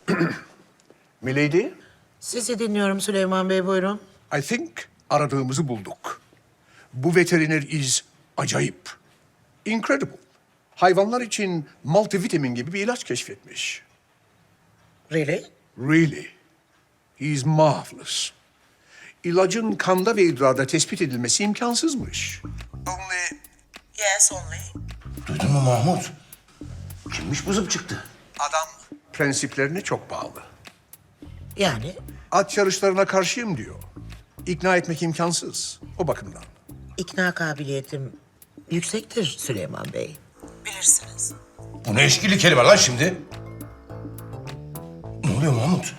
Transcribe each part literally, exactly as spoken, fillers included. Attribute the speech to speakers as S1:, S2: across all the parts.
S1: Milady,
S2: Sizi dinliyorum Süleyman Bey, buyurun.
S1: I think aradığımızı bulduk. Bu veteriner is acayip. Incredible. Hayvanlar için multivitamin gibi bir ilaç keşfetmiş.
S2: Really?
S1: Really. He is marvelous. İlacın kanda ve idrarda tespit edilmesi imkansızmış. Only
S2: Yes, only.
S3: Duydun mu Mahmut? Kimmiş bu zıp çıktı?
S1: adam prensiplerine çok bağlı.
S2: Yani
S1: At yarışlarına karşıyım diyor. İkna etmek imkansız o bakımdan.
S2: ikna kabiliyetim yüksektir Süleyman Bey. Bilirsiniz.
S3: Bu ne eşkili kelime lan şimdi? Ne oluyor Mahmut?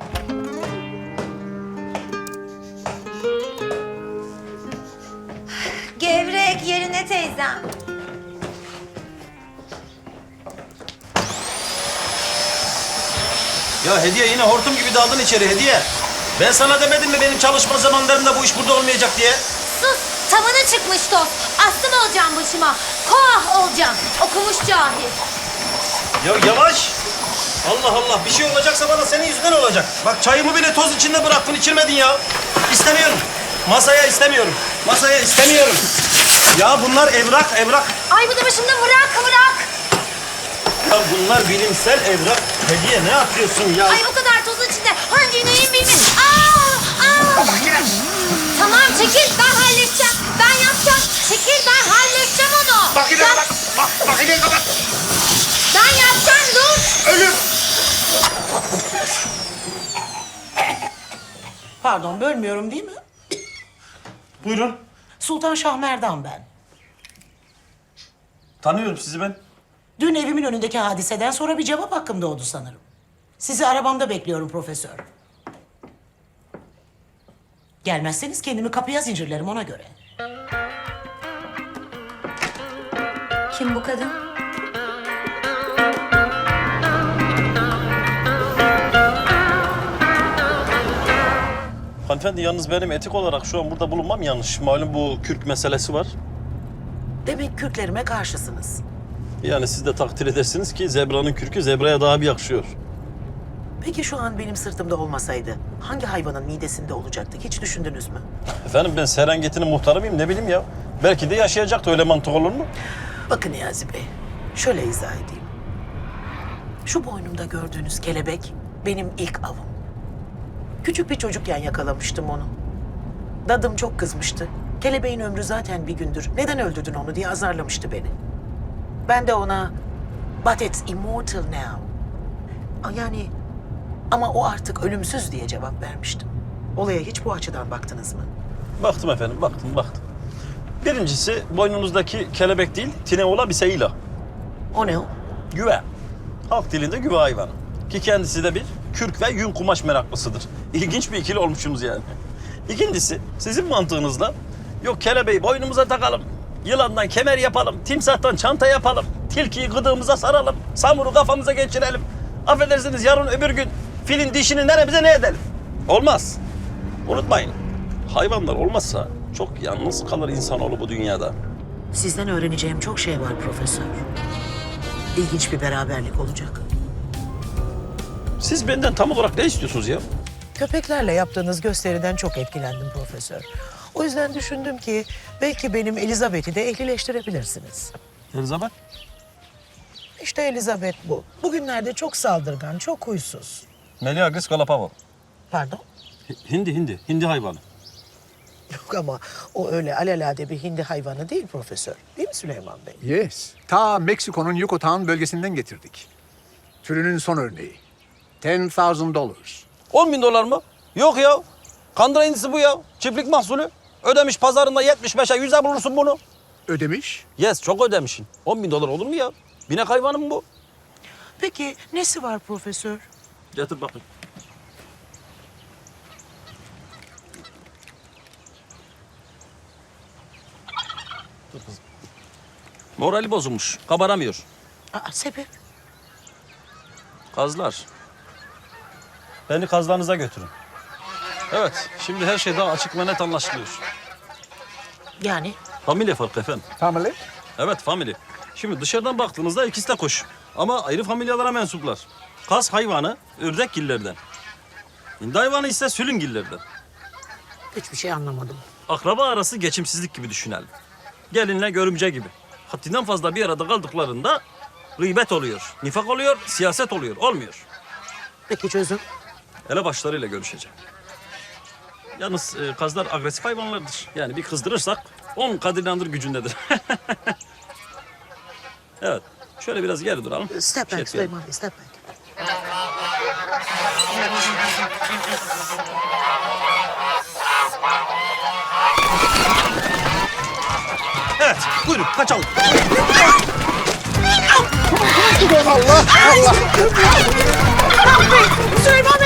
S4: Gevrek yerine teyzem.
S5: Ya Hediye yine hortum gibi daldın içeri Hediye. Ben sana demedim mi benim çalışma zamanlarımda bu iş burada olmayacak diye?
S4: Sus, tavana çıkmış toz. Aslan olacağım başıma. Koah olacağım. Okumuş cahil.
S5: Ya yavaş. Allah Allah bir şey olacaksa bana senin yüzünden olacak. Bak çayımı bile toz içinde bıraktın içirmedin ya. İstemiyorum. Masaya istemiyorum. Masaya istemiyorum. Ya bunlar evrak evrak.
S4: Ay bu da başımda bırak bırak.
S5: Ya bunlar bilimsel evrak. Hediye ne yapıyorsun ya?
S4: Ay o kadar tozun içinde hangi neyim bilmin. Aa, aa. Tamam çekil ben halledeceğim. Ben yapacağım. Çekil ben halledeceğim onu.
S3: Makineye
S4: Ben-
S3: kapat! Bak, makineyi kapat!
S4: Ben yapacağım dur.
S3: Ölüm!
S2: Pardon, bölmüyorum değil mi?
S5: Buyurun.
S2: Sultan Şahmerdan ben.
S5: Tanıyorum sizi ben.
S2: Dün evimin önündeki hadiseden sonra bir cevap hakkım doğdu sanırım. Sizi arabamda bekliyorum profesör. Gelmezseniz kendimi kapıya zincirlerim ona göre.
S4: Kim bu kadın?
S5: Hanımefendi yalnız benim etik olarak şu an burada bulunmam yanlış. Malum bu kürk meselesi var.
S2: Demek kürklerime karşısınız.
S5: Yani siz de takdir edersiniz ki zebranın kürkü zebraya daha bir yakışıyor.
S2: Peki şu an benim sırtımda olmasaydı hangi hayvanın midesinde olacaktı hiç düşündünüz mü?
S5: Efendim ben Serengeti'nin muhtarı mıyım ne bileyim ya. Belki de yaşayacaktı öyle mantık olur mu?
S2: Bakın Niyazi Bey, şöyle izah edeyim. Şu boynumda gördüğünüz kelebek benim ilk avım. Küçük bir çocukken yakalamıştım onu. Dadım çok kızmıştı. Kelebeğin ömrü zaten bir gündür. Neden öldürdün onu diye azarlamıştı beni. Ben de ona, but it's immortal now. Yani ama o artık ölümsüz diye cevap vermiştim. Olaya hiç bu açıdan baktınız mı?
S5: Baktım efendim baktım baktım. Birincisi boynunuzdaki kelebek değil tineola bir seyila.
S2: O ne o?
S5: Güve. Halk dilinde güve hayvanı. Ki kendisi de bir kürk ve yün kumaş meraklısıdır. İlginç bir ikili olmuşsunuz yani. İkincisi sizin mantığınızla yok kelebeği boynumuza takalım. Yılandan kemer yapalım, timsahtan çanta yapalım, tilkiyi gıdığımıza saralım, samuru kafamıza geçirelim. Affedersiniz yarın öbür gün filin dişini neremize ne edelim? Olmaz. Unutmayın, hayvanlar olmazsa çok yalnız kalır insanoğlu bu dünyada.
S2: Sizden öğreneceğim çok şey var profesör. İlginç bir beraberlik olacak.
S5: Siz benden tam olarak ne istiyorsunuz ya?
S2: Köpeklerle yaptığınız gösteriden çok etkilendim profesör. O yüzden düşündüm ki belki benim Elizabeth'i de ehlileştirebilirsiniz.
S5: Elizabeth?
S2: İşte Elizabeth bu. Bugünlerde çok saldırgan, çok huysuz.
S5: Meleagris galapavo.
S2: Pardon?
S5: Hindi, hindi. Hindi hayvanı.
S2: Yok ama o öyle alelade bir hindi hayvanı değil profesör. Değil mi Süleyman Bey?
S1: Yes. Ta Meksiko'nun Yucatan bölgesinden getirdik. Türünün son örneği. Ten thousand dollars.
S5: On bin dolar mı? Yok ya. Kandıra hindisi bu ya. Çiftlik mahsulü. Ödemiş pazarında yetmiş beşe yüze bulursun bunu.
S1: Ödemiş.
S5: Yes çok ödemişsin. On bin dolar olur mu ya? Binek hayvanı mı bu?
S2: Peki nesi var profesör?
S5: Getir bakayım. Dur kızım. Morali bozulmuş. Kabaramıyor.
S2: Aa, sebep?
S5: Kazlar. Beni kazlarınıza götürün. Evet, şimdi her şey daha açık ve net anlaşılıyor.
S2: Yani
S5: Familya farkı efendim.
S1: Family.
S5: Evet, family. Şimdi dışarıdan baktığınızda ikisi de koş. Ama ayrı familyalara mensuplar. Kaz hayvanı ördekgillerden. Hindi hayvanı ise sülüngillerden.
S2: Hiçbir şey anlamadım.
S5: Akraba arası geçimsizlik gibi düşünelim. Gelinle görümce gibi. Haddinden fazla bir arada kaldıklarında gıybet oluyor, nifak oluyor, siyaset oluyor. Olmuyor.
S2: Peki çözüm?
S5: Hele başlarıyla görüşeceğim. Yalnız e, kazlar agresif hayvanlardır. Yani bir kızdırırsak on kat inandır gücündedir. Evet. Şöyle biraz geri duralım.
S2: Step
S5: Şey
S2: back
S5: etmeyelim.
S2: Süleyman Bey, step back.
S5: Evet. Buyurun kaçalım.
S2: Süleyman Bey,